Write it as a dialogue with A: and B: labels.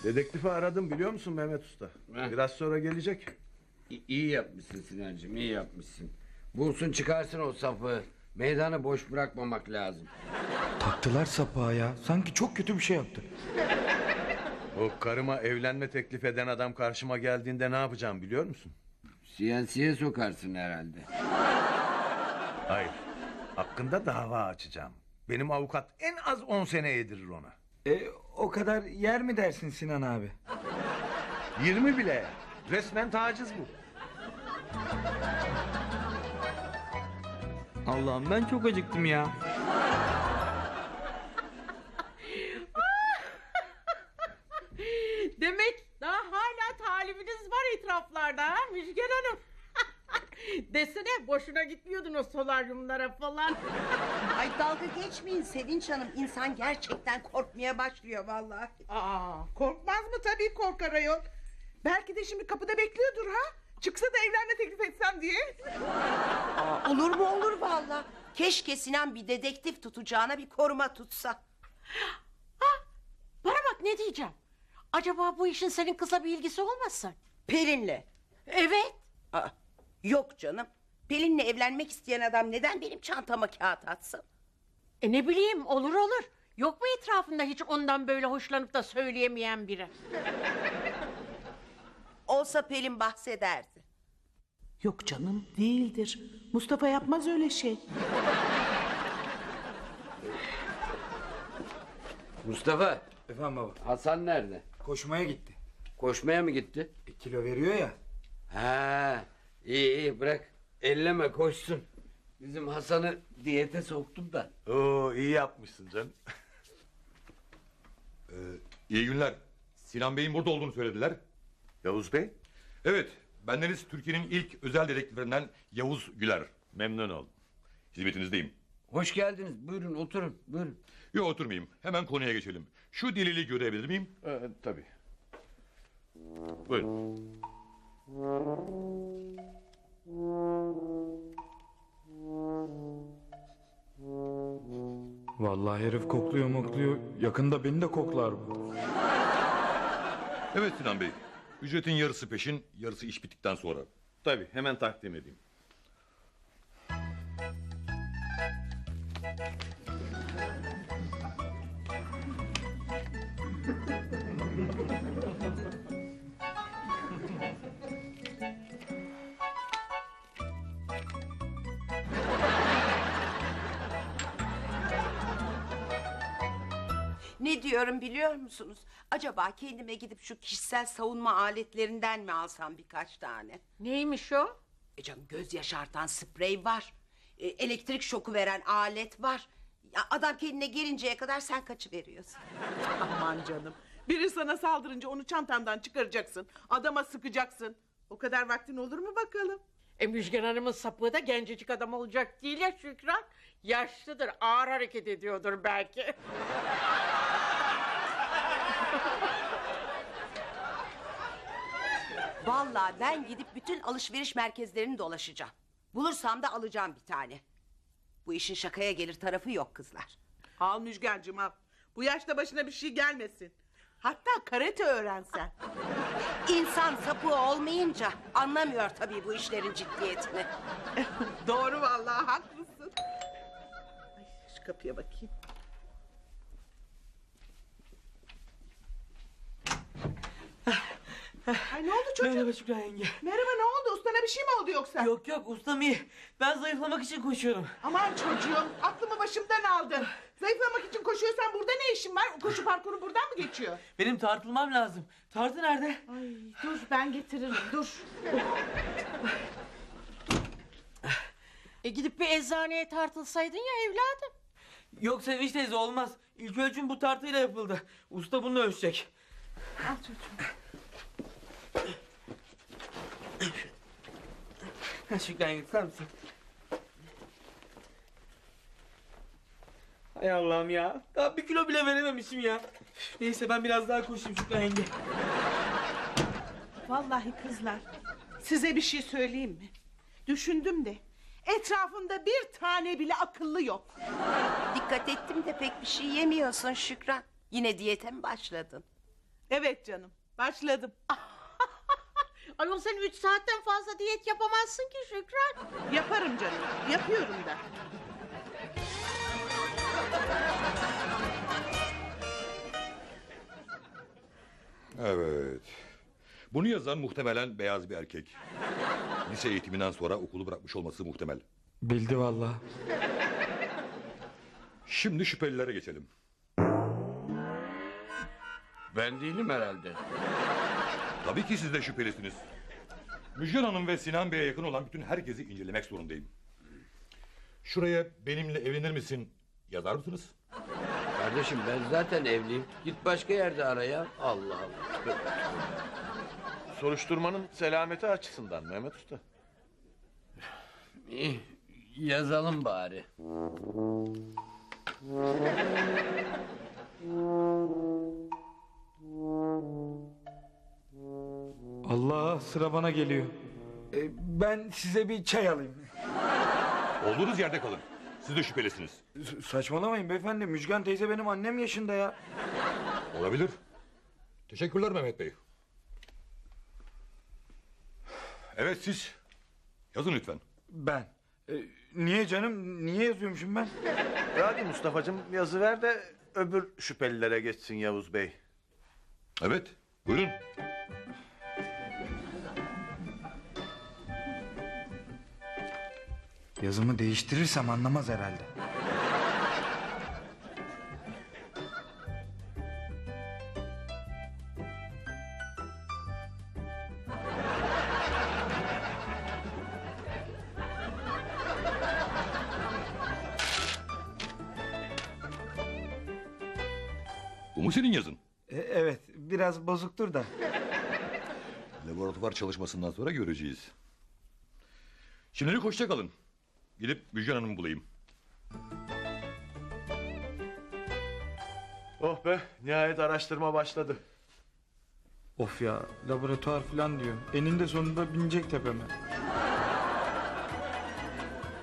A: Dedektifi aradım biliyor musun Mehmet Usta? Biraz sonra gelecek.
B: İyi yapmışsın Sinancığım, iyi yapmışsın. Bulsun çıkarsın o sapı. Meydanı boş bırakmamak lazım.
C: Taktılar sapığa ya. Sanki çok kötü bir şey yaptı.
A: O karıma evlenme teklif eden adam karşıma geldiğinde ne yapacağım biliyor musun?
B: Siyasiye sokarsın herhalde.
A: Hayır. Hakkında dava açacağım. Benim avukat en az 10 sene yedirir ona.
C: O kadar yer mi dersin Sinan abi?
A: 20 bile. Resmen taciz bu.
C: Allah'ım ben çok acıktım ya.
D: Demek daha hala talibiniz var etraflarda ha Müjgan Hanım. Desene boşuna gitmiyordun o solaryumlara falan.
E: Ay dalga geçmeyin Sevinç Hanım. İnsan gerçekten korkmaya başlıyor vallahi.
F: Korkmaz mı? Tabii korkar ayol. Belki de şimdi kapıda bekliyordur ha. Çıksa da evlenme teklif etsem diye.
E: Olur mu olur vallahi. Keşke Sinan bir dedektif tutacağına bir koruma tutsa.
D: Bana bak ne diyeceğim. Acaba bu işin senin kısa bir ilgisi olmasın?
E: Pelin'le.
D: Evet.
E: Aa, yok canım. Pelin'le evlenmek isteyen adam neden benim çantama kağıt atsın?
D: Ne bileyim olur. Yok mu etrafında hiç ondan böyle hoşlanıp da söyleyemeyen biri?
E: Olsa Pelin bahsederdi.
F: Yok canım değildir. Mustafa yapmaz öyle şey.
B: Mustafa,
C: Efendim baba.
B: Hasan nerede?
C: Koşmaya gitti.
B: Koşmaya mı gitti?
C: Kilo veriyor ya.
B: Ha, iyi bırak. Elleme koşsun. Bizim Hasan'ı diyete soktum da.
A: Oo iyi yapmışsın canım.
G: İyi günler. Sinan Bey'in burada olduğunu söylediler.
A: Yavuz Bey,
G: Evet, bendeniz Türkiye'nin ilk özel dedektiflerinden Yavuz Güler.
A: memnun oldum.
G: Hizmetinizdeyim.
B: Hoş geldiniz. Buyurun oturun. Buyurun.
G: Yok oturmayayım. Hemen konuya geçelim. Şu delili görebilir miyim?
A: Tabii. Buyurun.
C: Vallahi herif kokluyor mokluyor. Yakında beni de koklar bu.
G: Evet Sinan Bey. Ücretin yarısı peşin, yarısı iş bittikten sonra.
A: Tabii hemen takdim edeyim.
E: Ne diyorum biliyor musunuz? Acaba kendime gidip şu kişisel savunma aletlerinden mi alsam birkaç tane?
D: Neymiş o?
E: Canım göz yaşartan sprey var. Elektrik şoku veren alet var. Ya, adam kendine gelinceye kadar sen kaçıveriyorsun.
F: Aman canım. Biri sana saldırınca onu çantandan çıkaracaksın. Adama sıkacaksın. O kadar vaktin olur mu bakalım?
D: Müjgan Hanım'ın sapığı da gencecik adam olacak değil ya Şükran. Yaşlıdır, ağır hareket ediyordur belki.
E: Vallahi ben gidip bütün alışveriş merkezlerini dolaşacağım. Bulursam da alacağım bir tane. Bu işin şakaya gelir tarafı yok kızlar.
F: Al Müjgancığım al. Bu yaşta başına bir şey gelmesin. Hatta karate öğrensen.
E: İnsan sapığı olmayınca anlamıyor tabii bu işlerin ciddiyetini.
F: Doğru vallahi haklısın. Ay, şu kapıya bakayım. Ay ne oldu çocuğum?
H: Merhaba Şükran yenge.
F: Merhaba ne oldu? Ustana bir şey mi oldu yoksa?
H: Yok ustam iyi. Ben zayıflamak için koşuyorum.
F: Aman çocuğum aklımı başımdan aldın. Zayıflamak için koşuyorsan burada ne işin var? O koşu parkuru buradan mı geçiyor?
H: Benim tartılmam lazım. Tartı nerede?
F: Ay dur ben getiririm dur.
D: Gidip bir eczaneye tartılsaydın ya evladım.
H: Yok Sevinç teyze olmaz. İlk ölçüm bu tartıyla yapıldı. Usta bunu ölçecek.
F: Al çocuğum.
H: Şükran yenge tutar mısın? Hay Allah'ım ya. Daha 1 kilo bile verememişim ya. Neyse ben biraz daha koşayım Şükran yenge.
F: Vallahi kızlar size bir şey söyleyeyim mi? Düşündüm de etrafında bir tane bile akıllı yok.
E: Dikkat ettim de pek bir şey yemiyorsun Şükran. Yine diyete mi başladın?
F: Evet canım, başladım.
D: Ayol sen 3 saatten fazla diyet yapamazsın ki Şükran.
F: Yaparım canım, yapıyorum da.
G: Evet. Bunu yazan muhtemelen beyaz bir erkek. Lise eğitiminden sonra okulu bırakmış olması muhtemel.
C: Bildi vallahi.
G: Şimdi şüphelilere geçelim.
B: Ben değilim herhalde.
G: Tabii ki siz de şüphelisiniz. Müjgan Hanım ve Sinan Bey'e yakın olan bütün herkesi incelemek zorundayım. Şuraya benimle evlenir misin yazar mısınız?
B: Kardeşim ben zaten evliyim. Git başka yerde ara ya. Allah Allah.
A: Soruşturmanın selameti açısından Mehmet Usta.
B: İyi, yazalım bari.
C: Allah, sıra bana geliyor. Ben size bir çay alayım.
G: Olduğunuz yerde kalın. Siz de şüphelisiniz.
C: Saçmalamayın beyefendi. Müjgan teyze benim annem yaşında ya.
G: Olabilir. Teşekkürler Mehmet Bey. Evet siz. Yazın lütfen.
C: Ben. Niye canım? Niye yazıyormuşum ben?
A: Hadi Mustafa'cığım yazı ver de öbür şüphelilere geçsin Yavuz Bey.
G: Evet. Buyurun.
C: Yazımı değiştirirsem anlamaz herhalde.
G: Bu mu senin yazın?
C: Evet, biraz bozuktur da.
G: Laboratuvar çalışmasından sonra göreceğiz. Şimdilik hoşça kalın. Gidip Müjgan Hanım'ı bulayım.
A: Oh be nihayet araştırma başladı.
C: Of ya, laboratuvar falan diyor. Eninde sonunda binecek tepeme.